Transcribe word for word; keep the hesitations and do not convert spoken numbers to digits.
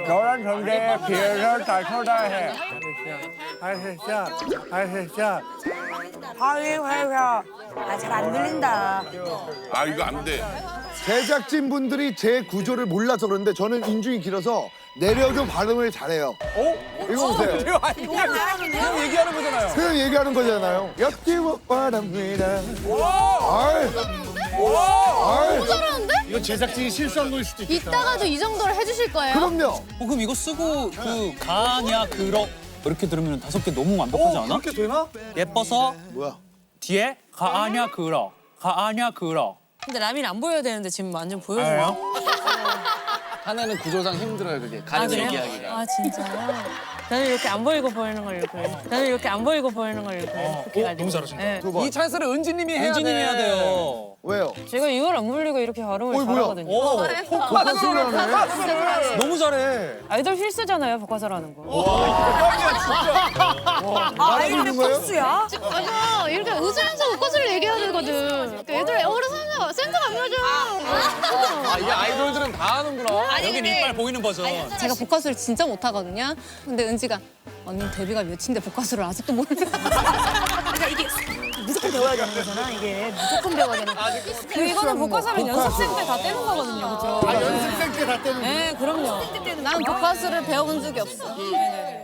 너란 존재에 비해서 다 초라해. 아시샤, 아시샤. 하위하위하. 아, 잘 안 들린다. 아 이거 안 돼. 제작진 분들이 제 구조를 몰라서 그런데 저는 인중이 길어서 내려도 발음을 잘해요. 어? 이거 보세요. 그래요? 아니 그냥, 그냥 얘기하는 거잖아요. 그냥 얘기하는 거잖아요. 옆집못 바랍니다. 아이, 아이, 잘하는데? 이거 제작진이 실수한 걸 수도 있겠다. 이따가도 이 정도를 해주실 거예요? 그럼요. 어, 그럼 이거 쓰고 그 가냐 그러 이렇게 들으면 다섯 개 너무 완벽하지 않아? 그렇게 되나? 예뻐서 뭐야? 뒤에 가냐 그러 가냐 그러. 근데 라민 안 보여야 되는데 지금 완전 보여줘요. 하나는 구조상 힘들어요 그게. 가는 얘기하기가. 아, 진짜요? 저는 이렇게 안 보이고 보이는 걸 이렇게. 저는 이렇게 안 보이고 보이는 걸 이렇게. 어, 너무 잘하신다. 네. 두 번. 이 찬스를 은지님이 해야 엔지님 돼. 해야 돼요. 왜요? 제가 이걸 안 물리고 이렇게 발음을 어이, 뭐야? 잘하거든요. 오, 포커스를 하네. 너무 잘해. 아이돌 필수잖아요, 복화사라는 거. 아, 알고 거예요? 필수야? 맞아. 이렇게 웃으면서 웃고을 얘기해야 되거든. 애들 애호를 생각, 생각 안 나죠. 아 이게 아이돌들은 다 하는구나. 여긴 이빨 보이는 버전. 제가 복화술을 진짜 못하거든요. 근데 은지가 언니 데뷔가 몇인데 복화술을 아직도 모르는 그러니까 이게 무조건 배워야 되는 거잖아, 이게. 무조건 배워야 되는 거. 근데 이거는 복화사는 연습생 때 다 떼는 거거든요, 그렇죠? 아, 연습생 때 다 떼는 거. 네, 그럼요. 나는 복화술을 배워본 적이 없어.